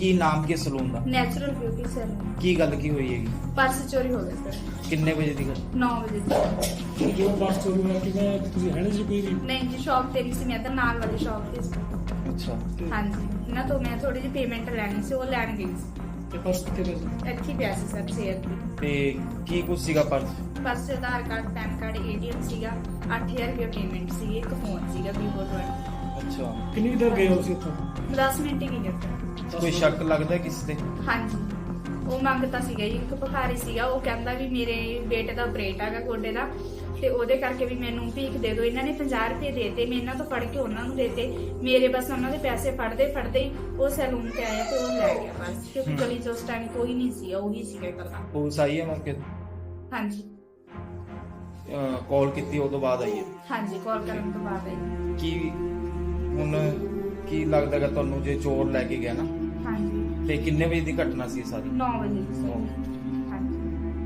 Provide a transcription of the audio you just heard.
ਕੀ ਨਾਮ ਕੀ ਸਲੂਨ ਦਾ? Natural beauty salon. ਕੀ ਗੱਲ ਕੀ ਹੋਈ ਹੈਗੀ? ਪਰਸ ਚੋਰੀ ਹੋ ਗਿਆ ਸਰ। ਕਿੰਨੇ ਵਜੇ ਦੀ ਗੱਲ? 9 ਵਜੇ ਦੀ। ਜੋ ਪਰਸ ਚੋਰੀ ਹੋਇਆ ਕਿਵੇਂ ਤੁਸੀਂ ਹੈ ਨਹੀਂ ਜੀ ਕੋਈ ਵੀ? ਨਹੀਂ ਜੀ, ਸ਼ਾਪ ਤੇ ਨਹੀਂ ਸੀ, ਮੈਂ ਤਾਂ ਨਾਲ ਵਾਲੀ ਸ਼ਾਪ ਤੇ ਸੀ। ਅੱਛਾ। ਹਾਂਜੀ, ਇਹਨਾਂ ਤੋਂ ਮੈਂ ਥੋੜੀ ਜਿਹੀ ਪੇਮੈਂਟ ਲੈਣੀ ਸੀ, ਉਹ ਲੈਣ ਗਈ ਸੀ। ਤੇ ਪਰਸ ਕਿੱਥੇ ਪਿਆ ਸੀ? ਇੱਥੇ ਹੀ ਪਿਆ ਸੀ ਸਰ, ਚੇਅਰ ਤੇ। ਤੇ ਕੀ ਕੁਛ ਸੀਗਾ ਪਰਸ? ਪਰਸ 'ਚ Aadhaar card, PAN card, ATM ਸੀਗਾ, 8000 ਰੁਪਏ ਪੇਮੈਂਟ ਸੀਗੀ, ਇੱਕ ਫੋਨ ਸੀਗਾ Vivo ਦਾ। ਅੱਛਾ। ਕਿੰਨੀ ਦੇਰ ਗਏ ਹੋ ਤੁਸੀਂ ਉੱਥੋਂ? 10 ਮਿੰਟ ਹੀ ਗਏ ਸਰ। ਕੋਈ ਸ਼ੱਕ ਲੱਗਦਾ ਕਿਸੇ ਤੇ? ਹਾਂਜੀ, ਉਹ ਮੰਗਤਾ ਸੀਗਾ ਜੀ, ਇੱਕ ਭਿਖਾਰੀ ਸੀਗਾ, ਉਹ ਕਹਿੰਦਾ ਵੀ ਮੇਰੇ ਬੇਟੇ ਦਾ ਆਪਰੇਟ ਹੈਗਾ ਗੋਡੇ ਦਾ, ਤੇ ਉਹਦੇ ਕਰਕੇ ਵੀ ਮੈਨੂੰ ਭੀਖ ਦੇ ਦਿਓ। ਇਹਨਾਂ ਨੇ 50 ਰੁਪਏ ਦੇਤੇ, ਮੈਂ ਇਹਨਾਂ ਤੋਂ ਫੜ ਕੇ ਉਹਨਾਂ ਨੂੰ ਦੇਤੇ। ਮੇਰੇ ਬਸ ਉਹਨਾਂ ਦੇ ਪੈਸੇ ਫੜਦੇ ਹੀ ਉਹ ਸੈਲੂਨ ਤੇ ਆਇਆ ਤੇ ਉਹ ਲੈ ਗਿਆ ਬਸ, ਕਿਉਂਕਿ ਗਲੀ 'ਚ ਉਸ ਟਾਈਮ ਕੋਈ ਨਹੀਂ ਸੀ, ਉਹੀ ਸੀਗਾ ਇਕੱਲਾ। ਪੁਲਿਸ ਆਈ ਹੈ ਮੌਕੇ ਤੇ? ਹਾਂਜੀ ਕਾਲ ਕੀਤੀ ਉਹ ਤੋਂ ਬਾਅਦ ਆਈ ਹੈ? ਹਾਂਜੀ, ਕਾਲ ਕਰਨ ਤੋਂ ਬਾਅਦ ਆਈ। ਕੀ ਹੁਣ ਕੀ ਲੱਗਦਾ ਕਿ ਤੁਹਾਨੂੰ ਜੇ ਚੋਰ ਲੈ ਕੇ ਗਿਆ ਨਾ, ਹਾਂਜੀ, ਤੇ ਕਿੰਨੇ ਵਜੇ ਦੀ ਘਟਨਾ ਸੀ ਇਹ ਸਾਰੀ? 9 ਵਜੇ ਦੀ ਸੀ।